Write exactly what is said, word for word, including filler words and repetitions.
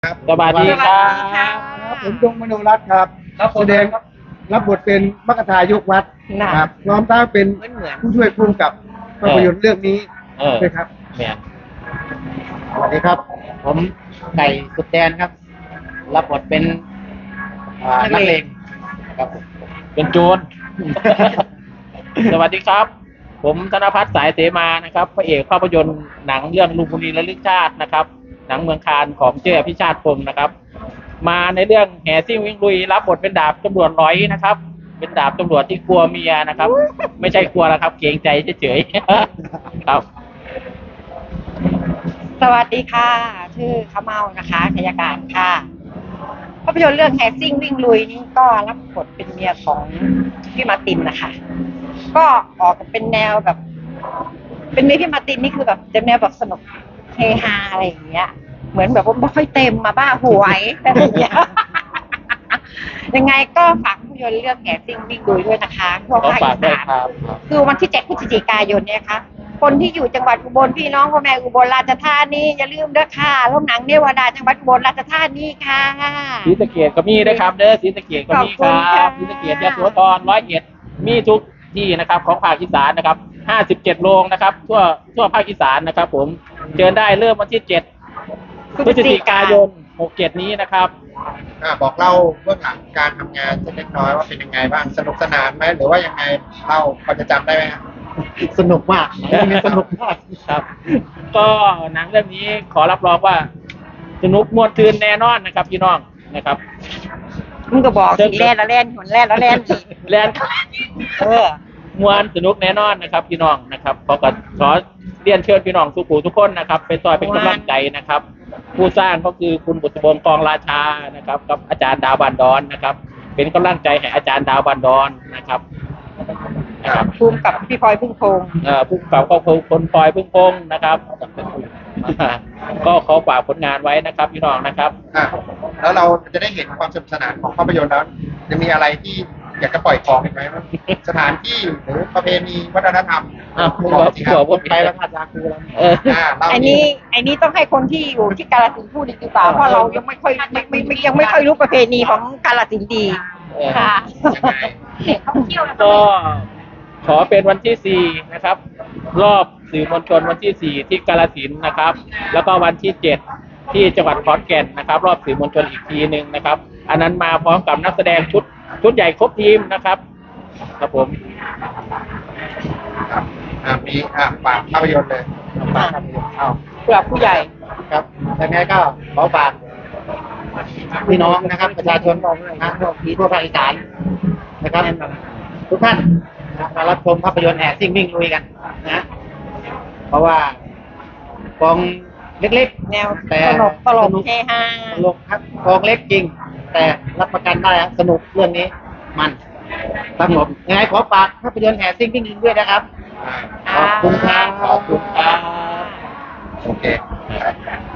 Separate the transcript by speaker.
Speaker 1: ครับ
Speaker 2: สวัสดีครั
Speaker 3: สวัสดีค่ะ
Speaker 2: บ
Speaker 1: ผมดงมโนรัตน์ครับ
Speaker 2: ครับผม
Speaker 1: แสดงรับบทเป็นมัคคทายกวัด
Speaker 3: น่ะ
Speaker 1: ครับพร้อมทั้งเป็น
Speaker 3: เหมือนเหมือน
Speaker 1: ผู้ช่วยผู้กำกับภาพยนตร์เรื่องนี้
Speaker 2: เออ
Speaker 1: ด้วยครับ
Speaker 2: เนี่ย
Speaker 4: สวัสดีครับ ผมไก่สุดแดนครับ รับบทเป็นอ่านักเลงนะครับผม
Speaker 2: เป็นโจร สวัสดีครับ ผมธนภัทรสายเสมานะครับพระเอกภาพยนตร์หนังเรื่องลุงบุรีระลึกชาตินะครับ หนังเมืองคานของเจ้อภิชาติพงศ์นะครับ มาในเรื่องแห่ซิ่งวิ่งลุยรับบทเป็นดาบตำรวจร้อยนะครับ เป็นดาบตำรวจที่กลัวเมียนะครับ ไม่ใช่กลัวแล้วครับ เกรงใจเฉยๆ ครับ
Speaker 3: สวัสดีค่ะ ชื่อข้าวเมานะคะชยการค่ะภาพยนตร์เรื่องแฮซิ่งวิ่งลุยนี่ก็รับบทเป็นเมียของพี่มาร์ตินนะคะ ก็ออกเป็นแนวแบบ เป็นเมียพี่มาร์ตินนี่คือแบบจะแนวแบบสนุกเฮฮาอะไรอย่างเงี้ย เหมือนแบบว่าไม่ค่อยเต็มมาบ้าหวยอะไรอย่างเงี้ย ยังไงก็ฝากภาพยนตร์เรื่องแฮซิ่งวิ่งลุยด้วยนะคะทั่ว
Speaker 2: ขอ
Speaker 3: ภาค
Speaker 2: ฝา
Speaker 3: อี
Speaker 2: กด้วย
Speaker 3: สาน
Speaker 2: ครับ
Speaker 3: คือวันที่เจ็ดพฤศจิกายนเนี่ยค่ะ คนที่อยู่จังหวัดอุบลพี่น้องพ่อแม่อุบลราชธานีอย่าลืมเด้อค่ะโรงหนังเนวดาจังหวัดอุบลราชธานีค่ะ
Speaker 2: ศรีสะเกษก็มีนะครับเด้อศรีสะเกษก็มีครั
Speaker 3: ขอบคุณค่ะ
Speaker 2: บศรีสะเกษยโสธรร้อยเอ็ดมีทุกที่นะครับของภาคอีสานนะครับห้าสิบเจ็ดโรงนะครับทั่วทั่วภาคอีสานนะครับ ผมเชิญได้เริ่มวันที่เจ็ดพฤศจิกายนหกเจ็ดนี้นะครับ
Speaker 1: อ่าบอกเล่าเบื้องหลังการทำงานสักเล็กน้อยว่าเป็นยังไงบ้างสนุกสนานไหมหรือว่ายังไงเล่าพอจะจำได้ไหมครับ
Speaker 4: สนุกมากหนังเรื่องนี้สนุกมาก
Speaker 2: ครับ ก็หนังเรื่องนี้ขอรับรองว่าสนุกมวนทืนแน่นอนนะครับพี่น้องนะครับ
Speaker 3: มึงก็บอกสิแล่นละแล่นหนแล่นละแล่นอีก
Speaker 2: แลน
Speaker 3: เออ
Speaker 2: มวนสนุกแน่นอนนะครับ พี่น้องนะครับขอก็ขอเรียนเชิญพี่น้องทุกผู้ทุกคนนะครับเป็นต่อยเป็นกำลังใจนะครับ ผู้สร้างก็คือคุณบุตรบงศ์กองราชานะครับ กับอาจารย์ดาวบันดอนนะครับ เป็นกำลังใจให้อาจารย์ดาวบันดอนนะครับนะครับ
Speaker 3: ภูมิกับพี่พลอยพึ่งพงษ์
Speaker 2: เอ่อผู้กำกับก็คือคนปล่อยพึ่งพงษ์นะครับ ก็ขอฝากผลงานไว้นะครับ พี่น้องนะครับ
Speaker 1: อ่าแล้วเราจะได้เห็นความสนุกสนานของภาพยนตร์แล้วจะมีอะไรที่อยากจะปล่อยของอีกไหมว่าสถานที่หรือประเพณีวัฒนธรรม
Speaker 2: อ้าว
Speaker 1: บอกสิครับ
Speaker 2: บอกว่า
Speaker 4: ไปแล้วค่ะยาคูแล้ว
Speaker 2: เออ
Speaker 1: อ่าเล่า
Speaker 3: ไอ้นี้ไอ้นี้ต้องให้คนที่อยู่ที่กาฬสินธุ์พูดดีกว่าเพราะเรายังไม่ค่อยไม่ไม่ไม่ยังไม่ค่อยรู้ประเพณีของกาฬสินธุ์ดี
Speaker 2: เออ
Speaker 3: ค่ะ
Speaker 1: ยังไง
Speaker 2: ก็ขอเป็นวันที่สี่นะครับ รอบสื่อมวลชนวันที่สี่ที่กาฬสินธุ์นะครับ แล้วก็วันที่เจ็ดที่จังหวัดขอนแก่นนะครับ รอบสื่อมวลชนอีกทีหนึ่งนะครับ อันนั้นมาพร้อมกับนักแสดงชุดชุดใหญ่ครบทีมนะครับครับผม
Speaker 1: ครับอ่ามีอ่าฝากภาพยนตร์เลย
Speaker 4: ฝากครับเอา
Speaker 3: เผื่อผู้ใหญ่
Speaker 4: ครับยังไงก็ขอฝากพี่น้องนะครับ ประชาชนนะทั่วทั่วภาคอีสานนะครับทุกท่านนะมารับชมภาพยนตร์แห่ซิ่งวิ่งลุยกันนะ เพราะว่ากองเล็ก
Speaker 3: แนว
Speaker 4: ๆ แต่
Speaker 3: ตลกตลก
Speaker 4: สนุก
Speaker 3: เฮฮา
Speaker 4: ตลกครับกองเล็กจริง แต่รับประกันได้ครับสนุกเรื่องนี้มันครับผมยังไงขอฝากภาพยนตร์แห่ซิ่งวิ่งลุยด้วยนะครับ
Speaker 1: อ่า
Speaker 4: ขอบคุณครับ
Speaker 2: ขอบคุณครับ
Speaker 1: โอเค